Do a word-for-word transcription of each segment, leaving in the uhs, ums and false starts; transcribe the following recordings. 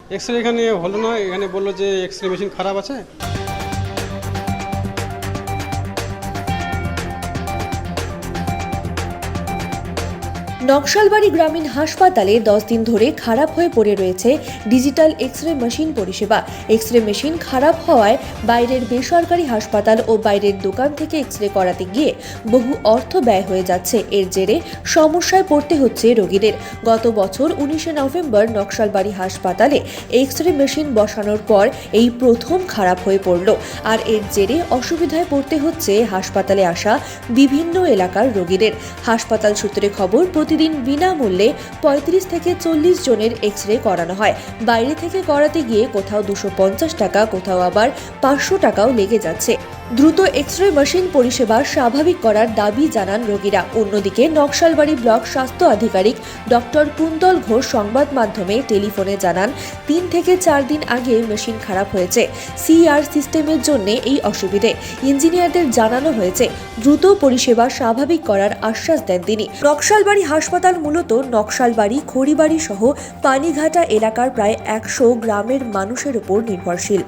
X-ray এখানে হলো না, এখানে বললো যে এক্সরে মেশিন খারাপ আছে। নকশালবাড়ি গ্রামীণ হাসপাতালে দশ দিন ধরে খারাপ হয়ে পড়ে রয়েছে ডিজিটাল এক্স রে মেশিন পরিষেবা। এক্স রে মেশিন খারাপ হওয়ায় বাইরের বেসরকারি হাসপাতাল ও বাইরের দোকান থেকে এক্স রে করাতে গিয়ে বহু অর্থ ব্যয় হয়ে যাচ্ছে। এর জেরে সমস্যায় পড়তে হচ্ছে রোগীদের। গত বছর উনিশে নভেম্বর নকশালবাড়ি হাসপাতালে এক্স রে মেশিন বসানোর পর এই প্রথম খারাপ হয়ে পড়ল। আর এর জেরে অসুবিধায় পড়তে হচ্ছে হাসপাতালে আসা বিভিন্ন এলাকার রোগীদের। হাসপাতাল সূত্রে খবর, প্রতিদিন বিনামূল্যে পঁয়ত্রিশ থেকে চল্লিশ জনের এক্স রে করানো হয়। বাইরে থেকে করাতে গিয়ে কোথাও দুশো পঞ্চাশ টাকা, কোথাও আবার পাঁচশো টাকাও লেগে যাচ্ছে। দ্রুত এক্স রে মেশিন পরিষেবা স্বাভাবিক করার দাবি জানান রোগীরা। অন্যদিকে নকশালবাড়ি ব্লক স্বাস্থ্য আধিকারিক ডক্টর কুন্তল ঘোষ সংবাদ মাধ্যমে টেলিফোনে জানান, তিন থেকে চার দিন আগে মেশিন খারাপ হয়েছে। সিআর সিস্টেমের জন্য এই অসুবিধে। ইঞ্জিনিয়ারদের জানানো হয়েছে, দ্রুত পরিষেবা স্বাভাবিক করার আশ্বাস দেন তিনি। নকশালবাড়ি হাসপাতাল মূলত নকশালবাড়ি, খড়িবাড়ি সহ পানিঘাটা এলাকার প্রায় একশো গ্রামের মানুষের উপর নির্ভরশীল।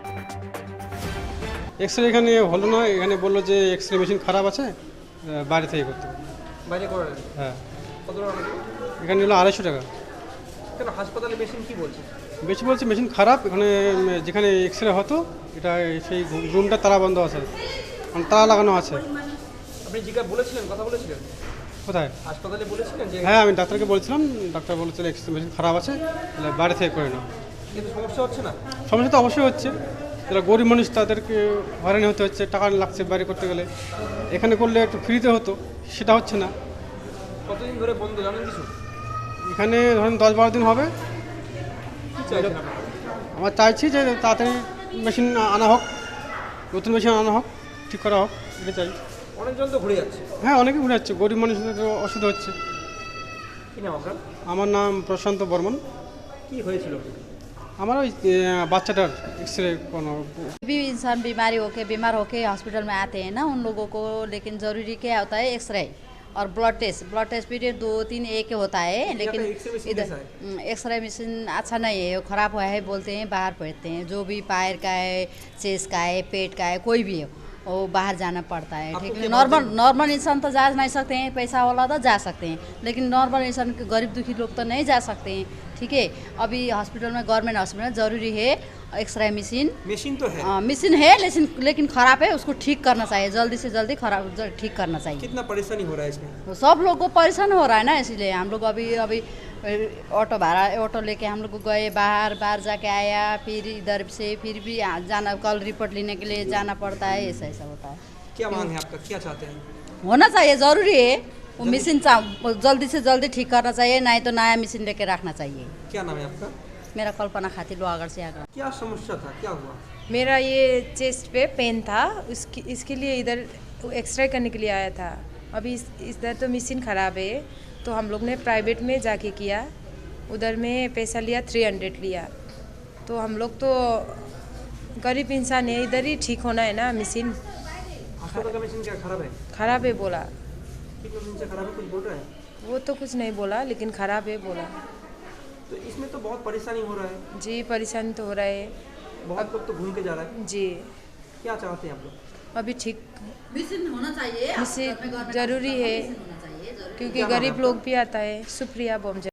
এক্সরে এখানে হলো না, এখানে বললো যে এক্সরে মেশিন খারাপ আছে, বাইরে থেকে করতে হবে। বাইরে করেন? হ্যাঁ। কত টাকা লাগে? এখানে হলো আড়াইশো টাকা। কেন হাসপাতালে মেশিন কি বলছে? বেশি বলছে মেশিন খারাপ। এখানে যেখানে এক্সরে হতো এটা সেই রুমটা তালা বন্ধ আছে, মানে তালা লাগানো আছে। আপনি জিজ্ঞাসা বলেছিলেন, কথা বলেছিলেন কোথায়? হাসপাতালে বলেছিলেন যে? হ্যাঁ, আমি ডাক্তারকে বলছিলাম, ডাক্তার বলেছিল এক্সরে মেশিন খারাপ আছে, তাহলে বাইরে থেকে করে নাও। কিন্তু সমস্যা হচ্ছে না? সমস্যা তো অবশ্যই হচ্ছে। যারা গরিব মানুষ তাদেরকে হয়রানি হতে হচ্ছে, টাকা লাগছে বাইরে করতে গেলে। এখানে করলে একটু ফ্রিতে হতো, সেটা হচ্ছে না। কতদিন ধরে বন্ধ জানেন কিছু? এখানে ধরেন দশ বারো দিন হবে। কি চাইছেন আপনারা? আমরা চাইছি যে তাড়াতাড়ি মেশিন আনা হোক, নতুন মেশিন আনা হোক, ঠিক করা হোক, এটা চাই। অনেকজন তো ঘুরে যাচ্ছে। হ্যাঁ, অনেকে ঘুরে যাচ্ছে, গরিব মানুষদের তো অসুবিধা হচ্ছে। কি নাম আপনার? আমার নাম প্রশান্ত বর্মন। কি হয়েছিল? আমার ওই বাচ্চাটার এক্সরে কোনো भी इंसान बीमारी होके बीमार होके हॉस्पिटल में आते हैं ना, उन लोगों को लेकिन ज़रूरी क्या होता है, एक्सरे और ब्लड टेस्ट। ब्लड टेस्ट भी दो तीन एक होता है, लेकिन इधर एक्सरे मशीन अच्छा नहीं है, वो ख़राब हुआ है बोलते हैं, बाहर पड़ते हैं। जो भी पैर का है, चेस्ट का है, पेट का है, कोई भी है वो बाहर जाना पड़ता है। ठीक है, नॉर्मल नॉर्मल इंसान तो जा नहीं सकते हैं, पैसा वाला तो जा सकते हैं, लेकिन नॉर्मल इंसान के गरीब दुखी लोग तो नहीं जा सकते हैं। ठीक है, अभी हॉस्पिटल में, गवर्नमेंट हॉस्पिटल में ज़रूरी है एक्सरे मशीन। मशीन तो है, मशीन है, लेकिन लेकिन ख़राब है, उसको ठीक करना चाहिए, जल्दी से जल्दी खराब ठीक करना चाहिए। कितना परेशानी हो रहा है इसमें? तो सब लोग को परेशान हो रहा है ना, इसलिए हम लोग अभी अभी ऑटो भाड़ा ऑटो लेके हम लोग गए बाहर, बाहर जाके आया, फिर इधर से फिर भी जाना, कल रिपोर्ट लेने के लिए जाना पड़ता है, ऐसा ऐसा होता है। क्या मांग है आपका, क्या चाहते हैं? होना चाहिए, ज़रूरी है वो मशीन, जल्दी से जल्दी ठीक करना चाहिए, नहीं तो नया मशीन लेके रखना चाहिए। क्या नाम है आपका? मेरा कल्पना खातिर लोहागढ़ से आगरा। क्या समस्या था, क्या हुआ? मेरा ये चेस्ट पे पेन था, उसकी इसके लिए इधर एक्सरे करने के लिए आया था। अभी इस इधर तो मशीन ख़राब है, तो हम लोग ने प्राइवेट में जाके किया, उधर में पैसा लिया, थ्री हंड्रेड लिया। तो हम लोग तो गरीब इंसान है, इधर ही ठीक होना है ना। मशीन अस्पताल का मशीन क्या खराब है? ख़राब है बोला। किस मशीन से खराब है, कुछ बोल रहे हैं? वो तो कुछ नहीं बोला, लेकिन ख़राब है बोला। तो इसमें तो बहुत परेशानी हो रहा है। जी, परेशानी तो हो रहा है, बहुत लोग तो घूम के जा रहा है। जी। क्या चाहते हैं आप लोग? अभी ठीक मशीन होना चाहिए, मशीन ज़रूरी है, क्योंकि गरीब लोग भी आता है। सुप्रिया बोमजा।